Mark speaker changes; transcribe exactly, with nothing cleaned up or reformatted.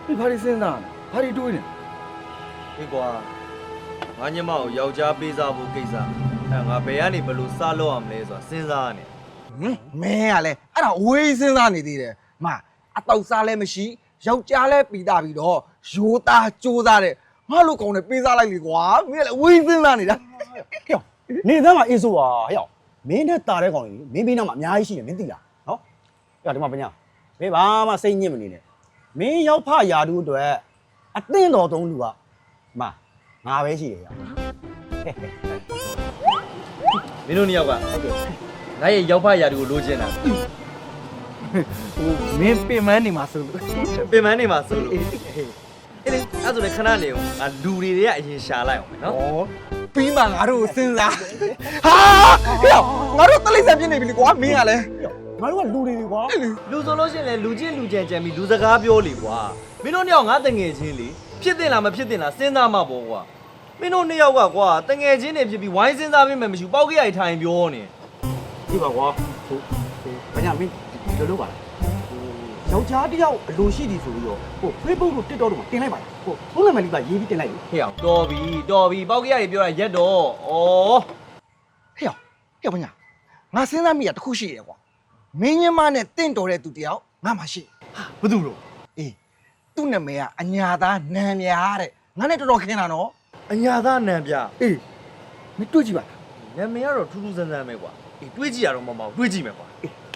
Speaker 1: 你怕你身上，怕你多呢？
Speaker 2: ဟေးကွာငါညမကိုယောက်ျားပေးစားဖို့ကိစ္စအဲငါဘယ်ကနေဘလို့စလို့ရမလဲဆိုတာစဉ်းစားနေ
Speaker 3: ဟင်မင်းကလည်းအဲ့ဒါဝေးစဉ်းစားနေသေးတယ်မအတော့စားလည်းမရှိယောက်ျားလည်းပြီးသားပြီးတော့ရိုးသားကြိုးစားတဲ့ငါလိုကောင်နဲ့ပေးစားလိုက်လေကွာမင်းကလည်းဝေးစဉ်းစားနေတာ
Speaker 4: ဟဲ့နေသားမှာအေးဆိုပါဟဲ့မင်းနဲ့တာတဲ့ကောင်ကြီးမင်းပြီးနောက်မှာအများကြီးရှိတယ်မင်းသိလားနော်ဟဲ့ဒီမှာပညာမင်းဘာမှစိတ်ညစ်မနေနဲ့မင်းရောက်ဖရာတူအတွက်အသင့်တော်သုံးလူကမငါပဲရှိတယ်ဟဲ့
Speaker 2: မင်းတို့နှစ်ယောက်ကဟုတ်ကဲ့ငါရဲ့ရောက်ဖရာတူကိုလိုချင်တာ
Speaker 3: ဟိုမင်းပင်မနေမှာဆိုလို့
Speaker 2: ပင်မနေမှာဆိုလို့အေးလေအဲ့ဆိုလည်းခဏနေအောင်ငါလူတွေတွေကအရင်ရှာလိုက်အောင်မယ်နော်
Speaker 3: ဩပြီးမှငါတို့စဉ်းစားဟာဟဲ့ငါတို့တလိမ့်ဆန်ပြနေပြီလေကွာမင်းကလည်း
Speaker 4: ငါတို့ကလူတွေကွာ
Speaker 2: လူဆိုလို့ရှိရင်လည်းလူချင်းလူကြံကြံပြီးလူစကားပြောလေကွာမင်းတို့နှစ်ယောက်ငါတငယ်ချင်းလေဖြစ်တင်လားမဖြစ်တင်လားစဉ်းစားမှပေါ့ကွာမင်းတို့နှစ်ယောက်ကကွာတငယ်ချင်းတွေဖြစ်ပြီးဝိုင်းစဉ်းစားပြီးမှမရှိပေါက်ကြရိုက်ထိုင်ပြောနေ
Speaker 4: ဒီပါကွာဟိုဟိုပညာမင်းဒီလိုလုပ်ပါလားဟိုယောက်ျားတယောက်အလိုရှိသည်ဆိုပြီးတော့ဟို Facebook တို့ TikTok တို့မှာတင်လိုက်ပါလားဟိုဖုန်းနံပါတ်လေးပါရေးပြီးတင်လိုက်လေ
Speaker 2: ဟေ့အောင်တော်ပြီတော်ပြီပေါက်ကြရိုက်ပြောတာရက်တော့ဩ
Speaker 3: ဟဲ့ဟဲ့ဘာညာငါစဉ်းစားမိတာတစ်ခုရှိတယ်ကွာမင်းညမနဲ့တင့်တော်တဲ့သူတယောက်ငါမှရှိ
Speaker 2: ဘာသူလို့
Speaker 3: အေးသူ့နာမည်ကအညာသားနံများတဲ့ငါနဲ့တော်တော်ခင်းတာနော်
Speaker 2: အညာသားနံပြ
Speaker 3: အေးမတွေ့ကြည့်ပါလား
Speaker 2: နာမည်ကတော့ထူးထူးဆန်းဆန်းပဲကွာအေးတွေးကြည့်ရတော့မမအောင်တွေးကြည့်မယ်ကွာ
Speaker 3: အေး